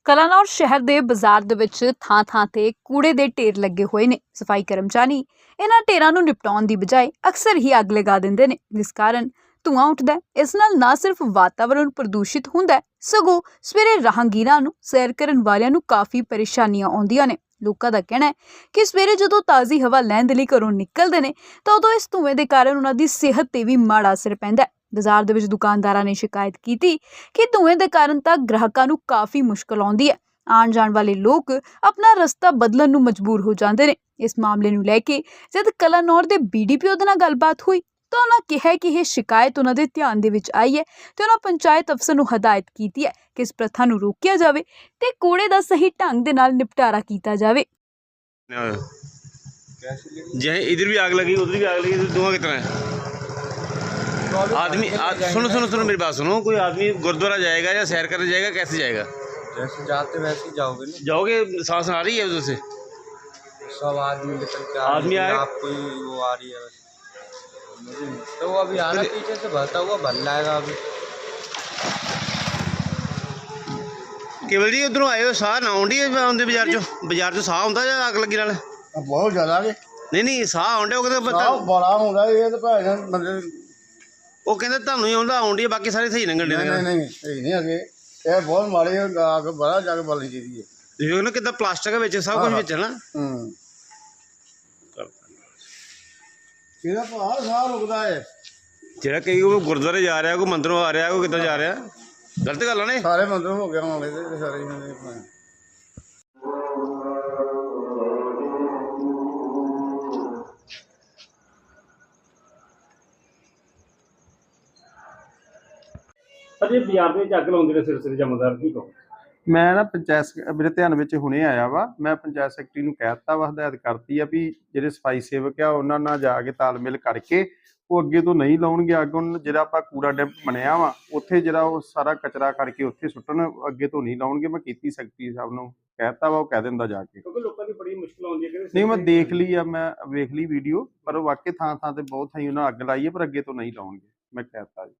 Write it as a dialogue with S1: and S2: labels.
S1: ਕਲਾਨੌਰ ਸ਼ਹਿਰ ਦੇ ਬਾਜ਼ਾਰ ਦੇ ਵਿੱਚ ਥਾਂ-ਥਾਂ ਤੇ ਕੂੜੇ ਦੇ ਢੇਰ ਲੱਗੇ ਹੋਏ ਨੇ। ਸਫਾਈ ਕਰਮਚਾਰੀ ਇਹਨਾਂ ਢੇਰਾਂ ਨੂੰ ਨਿਪਟਾਉਣ ਦੀ ਬਜਾਏ ਅਕਸਰ ਹੀ ਅੱਗ ਲਗਾ ਦਿੰਦੇ ਨੇ, ਜਿਸ ਕਾਰਨ ਧੂਆਂ ਉੱਠਦਾ ਹੈ। ਇਸ ਨਾਲ ਨਾ ਸਿਰਫ ਵਾਤਾਵਰਣ ਪ੍ਰਦੂਸ਼ਿਤ ਹੁੰਦਾ ਹੈ, ਸਗੋਂ ਸਵੇਰੇ ਰਾਹਗੀਰਾਂ ਨੂੰ, ਸੈਰ ਕਰਨ ਵਾਲਿਆਂ ਨੂੰ ਕਾਫੀ ਪਰੇਸ਼ਾਨੀਆਂ ਆਉਂਦੀਆਂ ਨੇ। ਲੋਕਾਂ ਦਾ ਕਹਿਣਾ ਹੈ ਕਿ ਸਵੇਰੇ ਜਦੋਂ ਤਾਜ਼ੀ ਹਵਾ ਲੈਣ ਦੇ ਲਈ ਘਰੋਂ ਨਿਕਲਦੇ ਨੇ ਤਾਂ ਉਦੋਂ ਇਸ ਧੂਏ ਦੇ ਕਾਰਨ ਉਹਨਾਂ ਦੀ ਸਿਹਤ ਤੇ ਵੀ ਮਾੜਾ ਅਸਰ ਪੈਂਦਾ ਹੈ। ਬਾਜ਼ਾਰ ਦੇ ਵਿੱਚ ਦੁਕਾਨਦਾਰਾਂ ਨੇ ਸ਼ਿਕਾਇਤ ਕੀਤੀ ਕਿ ਧੂਏ ਦੇ ਕਾਰਨ ਤਾਂ ਗ੍ਰਾਹਕਾਂ ਨੂੰ ਕਾਫੀ ਮੁਸ਼ਕਲ ਆਉਂਦੀ ਹੈ। ਆਉਣ ਜਾਣ ਵਾਲੇ ਲੋਕ ਆਪਣਾ ਰਸਤਾ ਬਦਲਣ ਨੂੰ ਮਜਬੂਰ ਹੋ ਜਾਂਦੇ ਨੇ। ਇਸ ਮਾਮਲੇ ਨੂੰ ਲੈ ਕੇ ਜਦ ਕਲਾਨੌਰ ਦੇ BDPO ਦੇ ਨਾਲ ਗੱਲਬਾਤ ਹੋਈ ਤਾਂ ਉਹਨਾਂ ਕਿਹਾ ਕਿ ਇਹ ਸ਼ਿਕਾਇਤ ਉਹਨਾਂ ਦੇ ਧਿਆਨ ਦੇ ਵਿੱਚ ਆਈ ਹੈ ਤੇ ਉਹਨਾਂ ਪੰਚਾਇਤ ਅਫਸਰ ਨੂੰ ਹਦਾਇਤ ਕੀਤੀ ਹੈ ਕਿ ਇਸ ਪ੍ਰਥਾ ਨੂੰ ਰੋਕਿਆ ਜਾਵੇ ਤੇ ਕੂੜੇ ਦਾ ਸਹੀ ਢੰਗ ਦੇ ਨਾਲ ਨਿਪਟਾਰਾ ਕੀਤਾ ਜਾਵੇ।
S2: जहाँ इधर भी आग लगी उधर भी आग लगी, धुआं कितना है? आदमी सुनो मेरी बात सुनो। कोई आदमी गुरुद्वारा जाएगा या सैर करने जाएगा, कैसे जाएगा?
S3: जैसे जाते वैसे ही जाओगे ना।
S2: जाओगे, सांस आ रही है उधर से?
S3: सब आदमी निकल के
S2: आदमी आए,
S3: आपको वो आ रही है बस। तो वो अभी आना पीछे से भरता हुआ भर लाएगा अभी।
S2: केवल जी उधरों आए हो, साह ना आउंदी है बाजार चो साह आउंदा या अग लगी नाल?
S3: बहुत ज़्यादा
S2: नहीं साह आउंडे वो कहते
S3: बड़ा होता है ये तो भाई बंदे
S2: वो कहते ਤੁਹਾਨੂੰ ਹੀ ਆਉਂਦਾ ਆਉਂਦੀ, ਬਾਕੀ ਸਾਰੇ ਸਹੀ ਲੰਘਣ ਦੇ।
S3: नहीं सही नहीं अगे ये बहुत माड़ी आग बड़ा जाके बोलनी चाहिए।
S2: देखो ना कितना प्लास्टिक ਵਿੱਚ सब कुछ ਵਿੱਚ है ना।
S3: ਇਹਦਾ ਭਾਰ ਸਾਹ ਰੁਕਦਾ ਹੈ।
S2: ਜਿਹੜਾ ਕਈ ਉਹ ਗੁਰਦੁਆਰੇ ਜਾ ਰਿਹਾ, ਕੋਈ ਮੰਦਰੋਂ ਆ ਰਿਹਾ, ਕੋਈ ਕਿੱਦਾਂ ਜਾ ਰਿਹਾ, ਗਲਤ ਗੱਲ ਆ ਨੇ।
S3: ਸਾਰੇ ਮੰਦਰ ਹੋ ਗਿਆ ਹੋਣੇ ਤੇ ਸਾਰੇ ਹੀ।
S2: ਅਜੇ ਬਾਜ਼ਾਰ ਦੇ ਵਿੱਚ ਅੱਗ ਲਾਉਂਦੇ ਨੇ ਸਿਰ ਜਮਦਾਰ ਕੀ ਕਹੋ?
S4: ਮੈਂ ਨਾ ਪੰਚਾਇਤ ਮੇਰੇ ਧਿਆਨ ਵਿੱਚ ਹੁਣੇ ਆਇਆ ਵਾ। ਮੈਂ ਪੰਚਾਇਤ ਸੈਕਟਰੀ ਨੂੰ ਕਹਿ ਦਿੱਤਾ ਵਾ, ਹਦਾਇਤ ਕਰਤੀ ਆ ਵੀ ਜਿਹੜੇ ਸਫਾਈ ਸੇਵਕ ਆ ਉਹਨਾਂ ਨਾਲ ਜਾ ਕੇ ਤਾਲਮੇਲ ਕਰਕੇ ਉਹ ਅੱਗੇ ਤੋਂ ਨਹੀਂ ਲਾਉਣਗੇ ਅੱਗ। ਹੁਣ ਜਿਹੜਾ ਆਪਾਂ ਕੂੜਾ ਡੈਂਪ ਬਣਿਆ ਵਾ ਉੱਥੇ ਜਿਹੜਾ ਉਹ ਸਾਰਾ ਕਚਰਾ ਕਰਕੇ ਉੱਥੇ ਸੁੱਟਣ, ਅੱਗੇ ਤੋਂ ਨਹੀਂ ਲਾਉਣਗੇ। ਮੈਂ ਕੀਤੀ ਸੈਕਟਰੀ ਸਾਹਿਬ ਨੂੰ ਕਹਿ ਦਿੱਤਾ ਵਾ, ਉਹ ਕਹਿ ਦਿੰਦਾ ਜਾ ਕੇ।
S2: ਕਿਉਂਕਿ ਲੋਕਾਂ ਦੀ ਬੜੀ ਮੁਸ਼ਕਲ ਆਉਂਦੀ ਹੈ।
S4: ਨਹੀਂ ਮੈਂ ਦੇਖ ਲਈ ਆ, ਮੈਂ ਵੇਖ ਲਈ ਵੀਡੀਓ, ਪਰ ਵਾਕਈ ਥਾਂ ਥਾਂ ਤੇ ਬਹੁਤ ਥਾਈਂ ਉਹਨਾਂ ਅੱਗ ਲਾਈ ਹੈ, ਪਰ ਅੱਗੇ ਤੋਂ ਨਹੀਂ ਲਾਉਣਗੇ। ਮੈਂ ਕਹਿ ਦਿੱਤਾ ਜੀ।